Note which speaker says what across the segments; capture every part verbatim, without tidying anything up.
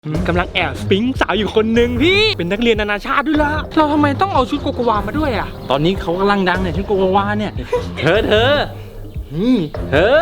Speaker 1: กำลังแอบสปิ๊งสาวอยู่คนหนึ่งพี่เป็นนักเรียนนานาชาติด้วยล่ะเราทำไมต้องเอาชุดโกโกวามาด้วยอ่ะ
Speaker 2: ตอนนี้เขากำลังดังเนี่ยชุดโกโกวาเนี่ยเธอเธอนี่เธอ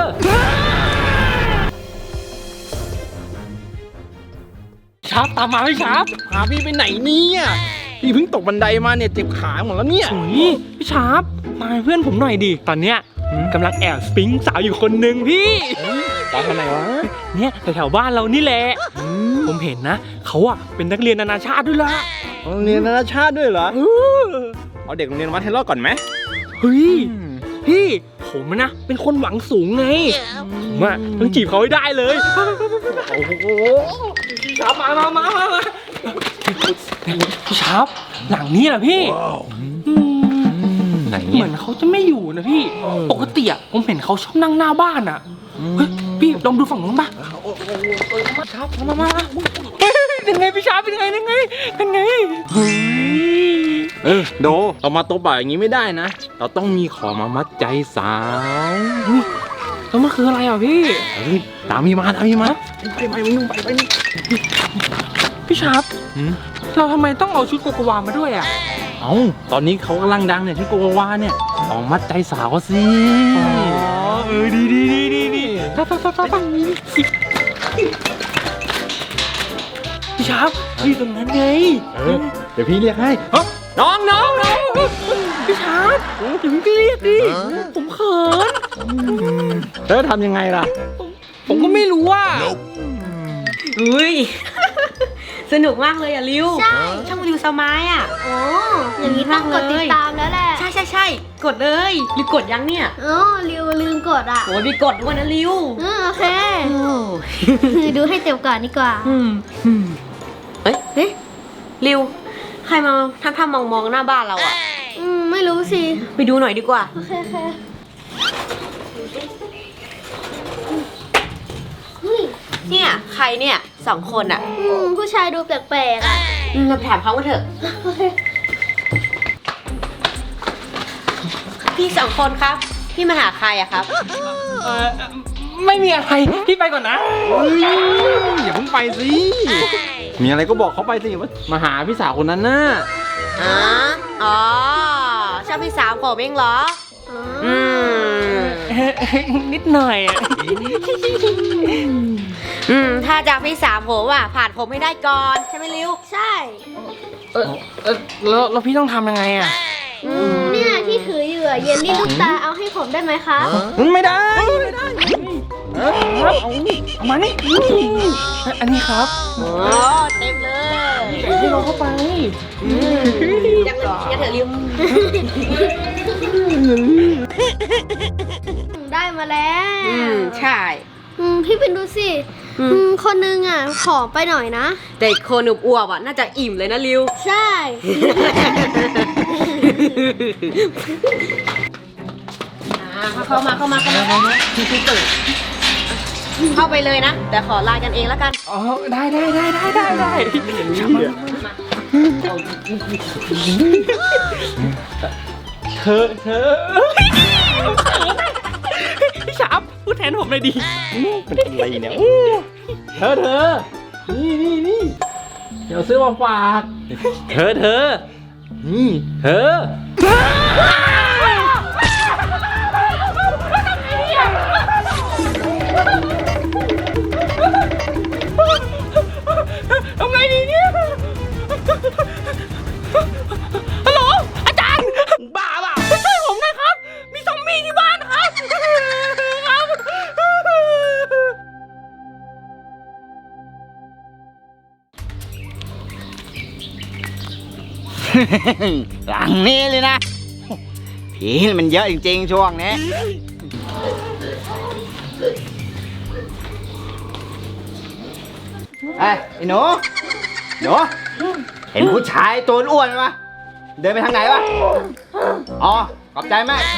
Speaker 1: ชาร์ปตามมาพี่ชาร์ป
Speaker 2: พาพี่ไปไหนเนี่ยพี่เพิ่งตกบันไดมาเนี่ยเจ็บขาหมดแล้วเนี่ย
Speaker 1: โอ้ยพี่ชาร์ปมาเป็นเพื่อนผมหน่อยดิตอนเนี้ยกำลังแอบสปิ๊งสาวอยู่คนหนึ่งพี่
Speaker 2: ตอนไหนวะ
Speaker 1: เนี่ยแถวๆบ้านเรานี่แหละผมเห็นนะเขาอะเป็นนักเรียนนานาชาติด้วยล่ะ
Speaker 2: โรงเรียนนานาชาติด้วยเหรอเอาเด็กโรงเรียนวัดให้รอดก่อนไหม
Speaker 1: เฮ้ยพี่ผมนะเป็นคนหวังสูงไงผมอะต้องจีบเขาให้ได้เลย
Speaker 2: โอ้โห
Speaker 1: พี่ชาร์ปมามามามามาพี่ชาร์ปหลังนี้แหละพี่อืม
Speaker 2: ไหน
Speaker 1: เหมือนเขาจะไม่อยู่นะพี่ปกติอะผมเห็นเขาชอบนั่งหน้าบ้านอะเฮ้ยพี่ลองดูฝั่งนู้นป่ะชาร์ปมามามาเฮ้ยเป็นไงพี่ชาร์ปเป็นไงเป็นไงเป็นไงเฮ้ย
Speaker 2: เออโดเรามาโต๊ะบ่ายอย่างนี้ไม่ได้นะเราต้องมีของมามัดใจสาว
Speaker 1: แล้วมันคืออะไรอ่ะพี่
Speaker 2: เฮ้ยตามพี่มาตามพี่มาไปไปมึงไปไปนี่
Speaker 1: พี่ชาร์ปเราทำไมต้องเอาชุดโกโกวามาด้วยอ่ะ
Speaker 2: เอ้าตอนนี้เขากำลังดังเนี่ยชุดโกโกวาเนี่ยต้องมัดใจสาวเขาสิ
Speaker 1: อ๋อเออดีดีดีดีดีปั๊บปั๊บปั๊บปั๊บพี่ชาร์ปอยู่ตรงนั้นไง
Speaker 2: เออเดี๋ยวพี่เรียกให้
Speaker 1: น้องน้องน้องพี่ชาร์ปอย่าเพิ่งเรียกดิผมเขิน
Speaker 2: แล้วทำยังไงล่ะ
Speaker 1: ผมก็ไม่รู้ว่า
Speaker 3: อุ้ย สนุกมากเลยอ่ะริว
Speaker 4: ใช่
Speaker 3: ช่องริวสมายอ่ะ
Speaker 4: โอ้อย่างนี้ต้องกดติดตามแล้วแหละ
Speaker 3: ใช่ใช่ใช่กดเลยริวกดยังเนี่ย
Speaker 4: โอ้ริวลืมกดอ่ะ
Speaker 3: โอ้ยมีกดด้วยนะริว
Speaker 4: อืมโอเค
Speaker 3: โอ้
Speaker 4: คือดูให้เต็มก่อนดีกว่า
Speaker 3: อืมเอ้ย
Speaker 4: เฮ้ย
Speaker 3: ริวใครมาทำทำมองมองๆหน้าบ้านเราอ่ะ
Speaker 4: อืมไม่รู้สิ
Speaker 3: ไปดูหน่อยดีกว่า
Speaker 4: โอเคโอเคเฮ้ย
Speaker 3: เนี่ยใครเนี่ยสองคนอ่ะ
Speaker 4: อืมผู้ชายดูแปลกๆอ่ะ
Speaker 3: อืมเราไปถามเขากันเถอะ
Speaker 4: โอเค
Speaker 3: พี่สองคนครับ พี่มาหาใครอะครับ
Speaker 1: เออไม่มีอะไรพี่ไปก่อนนะ
Speaker 2: เฮ้ยอย่าเพิ่งไปสิ มีอะไรก็บอกเขาไปสิว่ามาหาพี่สาวคนนั้นน่ะ
Speaker 3: อ๋อ อ๋อ ชอบพี่สาวผมเองเหรอ อืม
Speaker 1: นิดหน่อยอะ
Speaker 3: อืม ถ้าจากพี่สาวผมอ่ะ ผ่านผมให้ได้ก่อน ใช่ไหมริว
Speaker 4: ใช่
Speaker 1: เออเออแล้วแล้วพี่ต้องทำยังไงอ่ะ
Speaker 3: อืม
Speaker 4: เนี่ยที่ถืออยู่อะเยลลี่ลูกตาเอาให้ผมได้ไหมคะ
Speaker 2: ไม่ได้ไม่ได้
Speaker 1: ครับเอาเอามานี่อันนี้ครับ
Speaker 3: โอ้เต็มเลย
Speaker 1: ให้เราเข้าไป
Speaker 3: ยังเงินยังเถอะริว
Speaker 4: ได้มาแล้ว
Speaker 3: อืม ใช่
Speaker 4: อืมพี่เป็นดูสิ
Speaker 3: อืม
Speaker 4: อืมคนนึงอ่ะผอมไปหน่อยนะ
Speaker 3: แต่อีกคนอุบอวบๆอ่ะ น่าจะอิ่มเลยนะริว
Speaker 4: ใช่
Speaker 3: อ่าเข้ามาเข้ามาเข้ามาเข้าไปเลยนะ แต่ขอไลน์กันเองแล้วกัน
Speaker 1: อ๋อได้ได้ได้ได้ได้ได้เธอเธอพี่ชาร์ปพูดแทนผมเลยดิ
Speaker 2: เป็นอะไรเนี่ยเธอเธอนี่นี่นี่เดี๋ยวซื้อมาฝากเธอเธอนี่เธอ
Speaker 1: ทำไงดีเนี่ยฮัลโหลอาจารย์บ้าเปล่าช่วยผมหน่อยครับ มีซอมบี้ที่บ้านครับครับ
Speaker 5: หลังนี้เลยนะ ผีมันเยอะจริงๆช่วงนี้ไอ้ยไอ้หนูหนูเห็นผู้ชายตัวอ้วนไหมวะเดินไปทางไหนวะอ๋อขอบใจมาก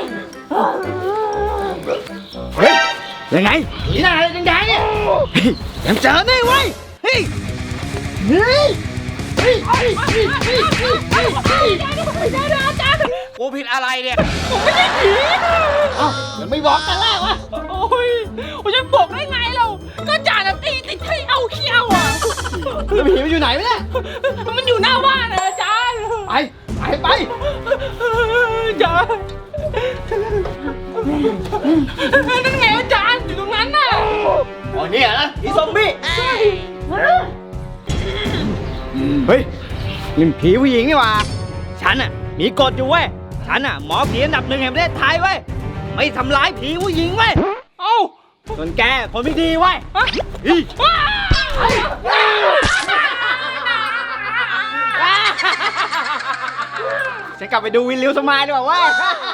Speaker 5: เฮ้ยยังไงผีหน้าอะไรแดงๆเนี่ยเฮ้ยยังเจอนี่เว้ยเฮ้ยเฮ้ยเฮ้ยเฮ้ยเฮ้ยเฮ้ยเฮ้ยเฮ้ยเฮ้ย
Speaker 2: กูผิดอะไรเนี่ย
Speaker 5: เอ้ายังไม่บอกกันแรกวะ
Speaker 1: โอ้ยผมจะบอกได้ไงเราก็จ่าตีติดให้เอาเขี้ยวอ่ะ
Speaker 5: แล้วผีมันอยู่ไหนวะเนี่ย
Speaker 1: มันอยู่หน้าบ้านนะอาจารย์
Speaker 5: ไป ไปไป
Speaker 1: อาจารย์นั่นไงอาจารย์อยู่ตรงนั้นน่ะ
Speaker 5: อ๋อเนี่ยนะผีซอมบี้ เฮ้ยนี่ผีผู้หญิงนี่หว่า ฉันอ่ะมีกฎอยู่เว้ย ฉันอ่ะหมอผีอันดับหนึ่งแห่งประเทศไทยเว้ย ไม่ทำร้ายผีผู้หญิงเว้ย
Speaker 1: เอ้า
Speaker 5: ส่วนแกคนไม่ดีเว้ย
Speaker 1: ฮะ
Speaker 5: อี ฉันกลับไปดูวินลิวสมายดีกว่าเว้ย